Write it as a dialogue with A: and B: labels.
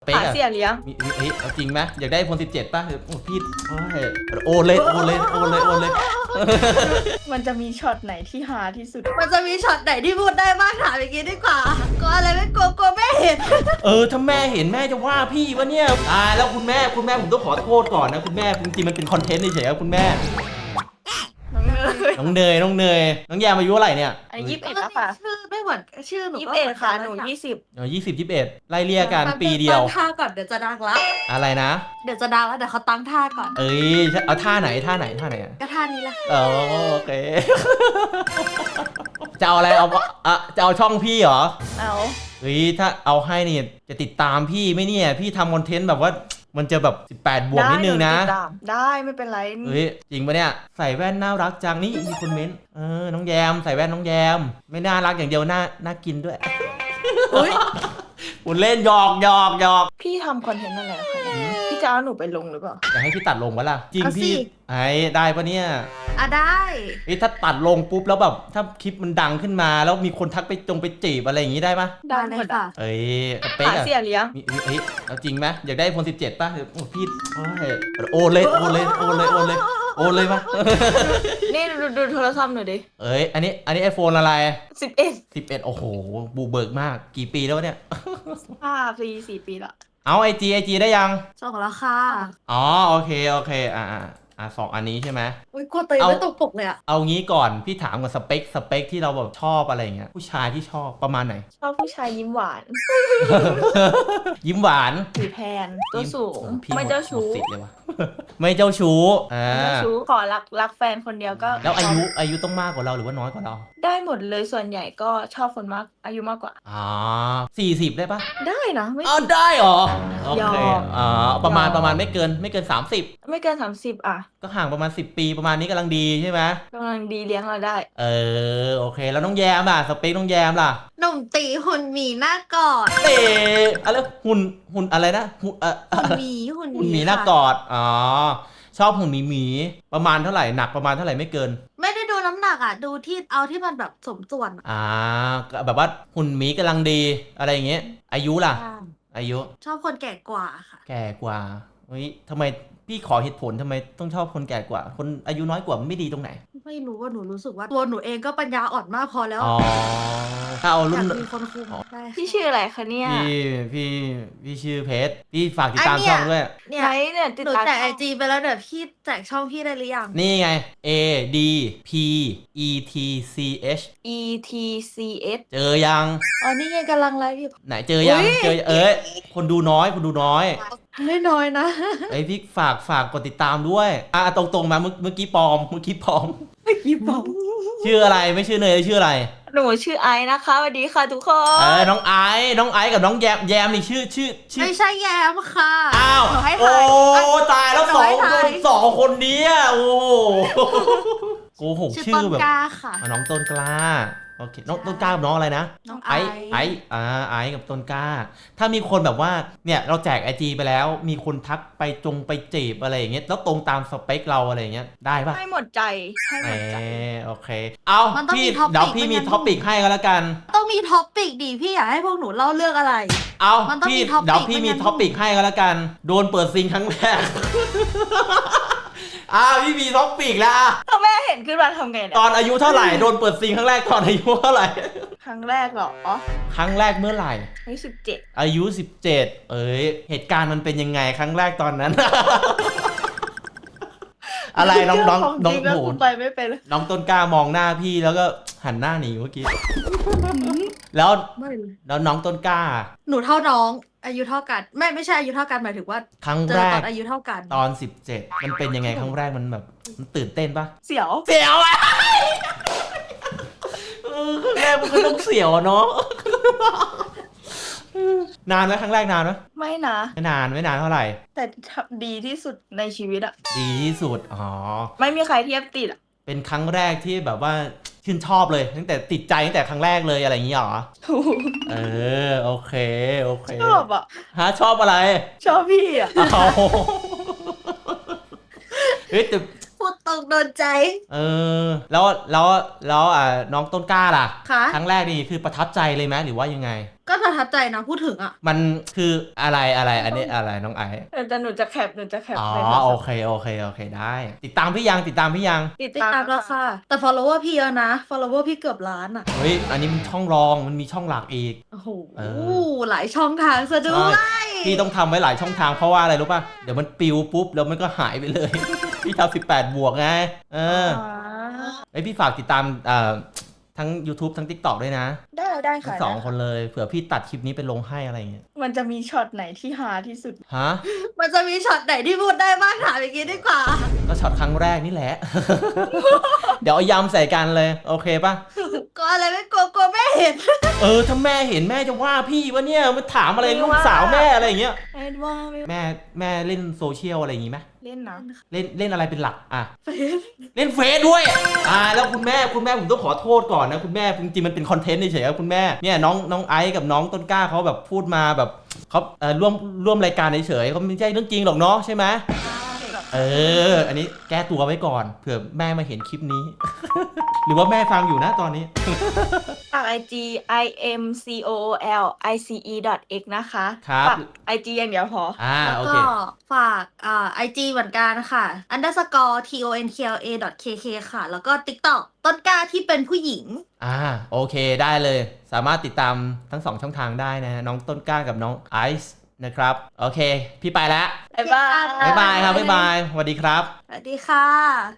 A: เป๊ก
B: หา
A: อะ
B: เสียเลี้ยง
A: เฮ้ยเอาจริงไหมอยากได้iPhone 17ป่ะโอ้พี่โอนเลย
B: มันจะมีช็อตไหนที่หาที่สุด
C: มันจะมีช็อตไหนที่พูดได้บ้างถามอย่างนี้ดีกว่าก็อะไรไม่กลัวแม่เห็น
A: ถ้าแม่เห็นแม่จะว่าพี่วะเนี่ยตายแล้วคุณแม่ผมต้องขอโทษก่อนนะคุณแม่จริงๆมันเป็นคอนเทนต์เฉยๆครับคุณแม่
B: น้องเนย
A: น้องแยมอายุเท่าไหร่เนี่ย
B: อันนี้21แล้วค่ะ
C: ชื่อไม่เหมือนชื่อหนู
B: 21ค่ะหนู20
A: 20 21ไล่เลี่ยกันปีเดียว
C: ตั้งท่าก่อนเดี๋ยวจะดังละ
A: อะไรนะ
C: เดี๋ยวจะดังแล้วเดี๋ยวเขาตั้งท่าก่อน
A: เอ้ยเอาท่าไหนอะ
C: ก็ท่านี้แหละ
A: โอเค จะเอาอะไรจะเอาช่องพี่เหรอ
B: เอา
A: เฮ้ยถ้าเอาให้นี่จะติดตามพี่ไหมเนี่ยพี่ทำคอนเทนต์แบบว่ามันจะแบบ18บวกนิดนึงนะ
B: ได้หติดตามได้ไม่เป็นไร
A: เฮ้ยจริงปะเนี่ยใส่แว่นน่ารักจังนี่มีคนเม้นต์น้องแยมใส่แว่นน้องแยมไม่น่ารักอย่างเดียวน่ากินด้วย
B: อุ๊ย
A: คุณเล่นหยอก
B: พี่ทำคอนเทนต์อะไรคะเนี่ยพี่จะเอาหนูไปลงหรือเปล่า
A: อยากให้พี่ตัดลงปะล่ะจริงพี่ไอ้ได้ปะเนี่ย
C: อ่ะได้
A: ถ้าตัดลงปุ๊บแล้วแบบถ้าคลิปมันดังขึ้นมาแล้วมีคนทักไปจีบอะไรอย่างงี้ได้ปะ
B: ได้
C: เล
B: หม
C: ย
B: ด
C: ค่ะ
A: เอ้ยสเป๊ก
B: หา
A: อะ
B: เสียเลี้ยง
A: เฮ้ยเอาจริงไหมอยากได้iPhone 17ป่ะโอ้พี่โอนเลยปะ
B: นี่ดูโทรศัพท์หน่อยดิ
A: อันนี้ไอโฟนอะไร
B: 11
A: 11โอ้โหบูเบิกมากกี่ปีแล้วเนี่ย
B: 5 ปี 4 ปีละ
A: เอาไอจีได้ยัง
C: ส่งแล้วค่ะ
A: อ๋อโอเคสองอันนี้ใช่ไหม
C: อุ้ยกลัวตัวเองไม่ตกปกเลยอ่ะ
A: เอางี้ก่อนพี่ถามก่อนสเปคที่เราแบบชอบอะไรเงี้ยผู้ชายที่ชอบประมาณไหน
B: ชอบผู้ชายยิ้มหวาน
A: ยิ้มหวาน
B: ผิวแทนตัวสูง
A: พี่
B: ไม่เจ้าชู้
A: หมดสิทธิ์เลยวะ ไม่เจ้าชู้
B: ไม่เจ้าชู้ขอรักแฟนคนเดียวก็
A: แล้วอายุต้องมากกว่าเราหรือว่าน้อยกว่าเรา
B: ได้หมดเลยส่วนใหญ่ก็ชอบคนมากอายุมากกว่า
A: 40ได้ปะ
B: ได้นะไม่
A: ได้เหรอโอเค
B: ยอม
A: ประมาณ
B: ยอม
A: ไม่เกิน30
B: ไม่เกิน30อ่ะ
A: ก็ห่างประมาณ10 ปีประมาณนี้กำลังดีใช่ไหม
B: กำลังดีเลี้ยงเราได้
A: โอเคแล้วน้องแยมล่ะสเปคน้องแยมล่ะ
C: หนุ่มตีหุ่นหมีหน้ากอด
A: อะไรหุ่นอะไรนะ
C: หุ่นหมีหุ่น
A: หุ่นหมีหน้ากอดชอบหุ่นหมีประมาณเท่าไหร่หนักประมาณเท่าไหร่ไม่เกิน
C: ไม่ได้ดูน้ำหนักอ่ะ ดูที่เอาที่มันแบบสมส่วนอะ
A: แบบว่าหุ่นหมีกำลังดีอะไรอย่างเงี้ยอายุล่ะ อายุ
C: ชอบคนแก่กว่าค่ะ
A: แก่กว่าเฮ้ยทำไมพี่ขอเหตุผลทำไมต้องชอบคนแก่กว่า คนอายุน้อยกว่ามันไม่ดีตรงไหน
C: ไม่รู้ว่าหนูรู้สึกว่าตัวหนูเองก็ปัญญาอ่อนมากพอแล้ว
A: ถ้าเอา
C: อ
A: รุ่
C: ยาน กมีคนคุมได้
B: พี่ชื่ออะไรคะเนี่ย
A: พี่ชื่อเพชรพี่ฝากติดตามช่องด้วย
C: เนี่ย
B: ไหนเนี่ยติด
C: หนู
B: ตาม
C: แจกไอจีไปแล้วเดี๋ยวพี่แจกช่องพี่ได้หรือยัง
A: นี่ไง A D P E T C H
B: ETCS
A: เจอยัง
B: อ๋อนี่ไงกำลังไลฟ์อยู่
A: ไหนเจอยัง
B: อุ๊ย
A: เจอคนดูน้อย
C: ไม่น้อยนะ
A: พี่ฝากกดติดตามด้วยตรงมาเมื่อกี้ปลอม
C: ยี่ปอง
A: ชื่ออะไรไม่ชื่อเนยชื่ออะไร
B: หนูชื่อไอซ์นะคะสวัสดีค่ะทุกคน
A: น้องไอซ์กับน้องแยมนี่ชื่อ
C: ไม่ใช่แยมค่ะ
A: อ้าว
C: หนูให้
A: โอ้
C: ทาย
A: ตายแล้ว
C: หนูให้ทาย
A: สองคนนี้อะโอ้โหโกหก
C: ชื่อ
A: ชื่
C: ต้
A: อน แบบ
C: กล้าค่ะ
A: น้องต้นกล้าโอเคน้องต้นกล้ากับน้องอะไรนะ
C: น้องไอ
A: ไอกับต้นกล้า ถ้ามีคนแบบว่าเนี่ยเราแจกไอจีไปแล้วมีคนทักไปจีบอะไรอย่างเงี้ยแล้วตรงตามสเปคเราอะไรอย่างเงี้ยได้ปะ
B: ให้หมดใจให้หมดใจ
A: โอเคเอา
C: มันต้อง
A: พี่
C: มี topic
A: เดี๋ยวพี่มี
C: ไม่งั้น
A: ท็อปิกให้ก็แล้วกัน
C: ต้องมีท็อปปิกดิพี่อยากให้พวกหนูเล่าเรื่องอะไร
A: เอา
C: มันต้อง
A: พี่
C: มี topic
A: เดี๋ยวพี่
C: ไม่
A: มี
C: งั้น
A: ท็อปิกให้ก็แล้วกันโดนเปิดซิงครั้งแรก พี่มีท็อปิกแล้ว
B: ถ้าแม่เห็นขึ้นมาทำไงเนี่ย
A: ตอนอายุเท่าไหร่โดนเปิดซิงครั้งแรกตอนอายุเท่าไหร่
B: ครั้งแรกเหรออ๋อ
A: ครั้งแรกเมื่อไหร่
B: อายุ17
A: อายุ 17เหตุการณ์มันเป็นยังไงครั้งแรกตอนนั้น อะไรน้อง
B: จริงแล้ว
A: โห
B: กูไปไม่เป็นเลย
A: น้องต้นกล้ามองหน้าพี่แล้วก็หันหน้าหนีเมื่อกี้ แล้ว
C: ไม่เลย
A: แล้วน้องต้นกล้า
C: หนูเท่าน้อง อายุเท่ากัน ไม่ใช่อายุเท่ากันหมายถึงว่า
A: ครั้ง
C: เจ
A: แร
C: อตอก นอายุเท่ากัน
A: ตอน 17มันเป็นยังไงครั้งแรกมันแบบมันตื่นเต้นปะ
B: เสียว
A: เสียวอะครั้งแรกมันก็ต้องเสียวอะเนาะ นานไหมครั้งแรกนานไหม
B: ไม่นะ
A: ไม่นานเท่าไหร่
B: แต่ดีที่สุดในชีวิตอะ
A: ดีที่สุด
B: ไม่มีใครเทียบติดอะ
A: เป็นครั้งแรกที่แบบว่าชื่นชอบเลยตั้งแต่ติดใจตั้งแต่ครั้งแรกเลยอะไรอย่างนี้เหรอ
B: ถูก
A: โอเค
B: ชอบอะ
A: ชอบอะไร
B: ชอบพี่อะ
A: เอาเฮ้ยแต่
C: พูดตรงโดนใจ
A: แล้วน้องต้นกล้าล่ะ
C: ค่ะ
A: ครั้งแรกนี่คือประทับใจเลยไหมหรือว่ายังไง
C: ก็ประทับใจนะพูดถึงอ่ะ
A: มันคืออะไรอันนี้อะไรน้องไอซ์
B: แต่หนูจะแคป
A: อ๋อ
B: ในโทรศัพท์
A: โอเคได้ ติดตามพี่ยัง
B: ติด
C: ติด
B: ตา
C: ตาม มแล้วค่ะ แต่ follower พี่เยอะนะ follower พี่เกือบล้านอ่ะ
A: เฮ้ยอันนี้มันช่องรองมันมีช่องหลักอีก
C: โอ้โห
A: เอ
C: หลายช่องทางซะด้ว
A: ใช่
C: ย
A: พี่ต้องทำไว้หลายช่องทางเพราะว่าอะไรรู้ป่ะเดี๋ยวมันปิวปุ๊บแล้วมันก็หายไปเลย พี่ทำ18 บวกไงไอยพี่ฝากติดตามทั้ง YouTube ทั้ง TikTok ด้วยนะ
B: ได้
A: ทั้
B: ค่ะ
A: งสองคนเลยเผื่อพี่ตัดคลิปนี้ไปลงให้อะไรอย่างเงี้ย
B: มันจะมีช็อตไหนที่ฮาที่สุด
A: ฮะ
C: มันจะมีช็อตไหนที่พูดได้บ้างถามอย่างนี้ดีกว่า
A: ก็ช็อตครั้งแรกนี่แหละ เดี๋ยวเอายำใส่กันเลย โอเคป่ะ
C: ก็อะไรไม่กลัวแม่เห็น
A: ถ้าแม่เห็นแม่จะว่าพี่วะเนี่ยมาถามอะไรลูกสาวแม่อะไรอย่างเงี้ย
B: ไม่ว่าไม่
A: แม่เล่นโซเชียลอะไรอย่างงี้ไหม
B: เล่นนะ
A: เล่นอะไรเป็นหลักอ่ะเล่นเฟซด้วยแล้วคุณแม่ผมต้องขอโทษก่อนนะคุณแม่จริงๆมันเป็นคอนเทนต์เฉยๆครับคุณแม่เนี่ยน้องไอซ์กับน้องต้นกล้าเขาแบบพูดมาแบบเขาร่วมรายการเฉยๆเขาไม่ใช่เรื่องจริงหรอกเนาะใช่ไหมอันนี้แก้ตัวไว้ก่อนเผื่อแม่มาเห็นคลิปนี้ หรือว่าแม่ฟังอยู่นะตอนนี้
B: ฝาก IG imcoolice.x นะคะ
A: ครับ
B: ฝาก IG อย่างเดียวพอ
C: แล้ว
A: โอ
C: ก็
A: เค
C: ฝากIG เหมือนกันค่ะ _tonkla ค่ะ แล้วก็ TikTok ต้นกล้าที่เป็นผู้หญิง
A: โอเคได้เลยสามารถติดตามทั้ง2ช่องทางได้นะน้องต้นกล้ากับน้องไอซ์นะครับโอเคพี่ไปแล้ว
B: บ๊ายบาย
A: บ๊ายบายครับบ๊ายบายสวัสดีครับ
C: สวัสดีค่ะ